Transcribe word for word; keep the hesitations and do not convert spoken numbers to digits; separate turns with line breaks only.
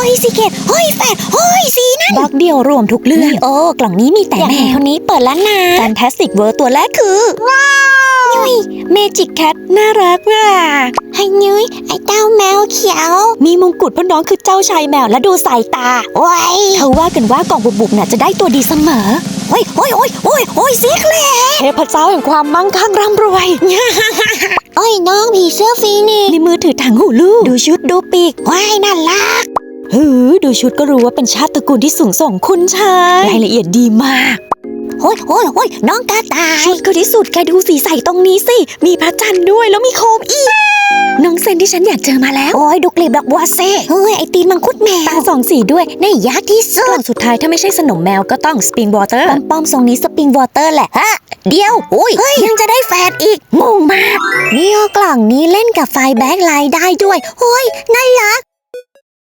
ยซีเกตเฮ้ยแฟดเฮ้ยสีนั่นบล็อกเดียวรวมทุกเรื่องโอ้กล่องนี้มีแต่แมวคนนี้เปิดแล้วนะแฟนตาสติกเวิร์ตัวแรกคือว้าวยุ้ยเมจิกแคทน่ารักว่ะให้ยุ้ยไอ้เต้าแมวเขียวมีมงกุฎเพราะน้องคือเจ้าชายแมวและดูสายตาโอ้ยเขาว่ากันว่ากล่องบุบๆน่ะจะได้ตัวดีเสมอโอ้ยโอ้ยโอ้ยโอ้ยโอ้ยสีเคลเทพเจ้าแห่งความมั่งคั่งร่ำรวยโอ้ยน้องผีเสื้อฟีนิกซ์ในมือถือถังหูลูกดูชุดดูปีกว้ายน่ารักหือดูชุดก็รู้ว่าเป็นชาติตระกูลที่สูงส่งคุณชายรายละเอียดดีมากโอ้ยโอ้ยโอ้ยน้องกระต่ายชุดก็ที่สุดแกดูสีใสตรงนี้สิมีพระจันทร์ด้วยแล้วมีโคมอีกน้องเซนที่ฉันอยากเจอมาแล้วโอ้ยดูกลีบดอกบัวเซ่เฮ้ยไอตีนมังคุดแมวตาสองสีด้วยน่ายากที่สุดกล่องสุดท้ายถ้าไม่ใช่สนมแมวก็ต้องสปริงวอเตอร์ป้อมๆทรงนี้สปริงวอเตอร์แหละฮะเดียวโอ้ยยังจะได้แฟดอีกงงมากนี่กล่องนี้เล่นกับไฟแบ็คไลท์ได้ด้วยโอ้ยน่ารัก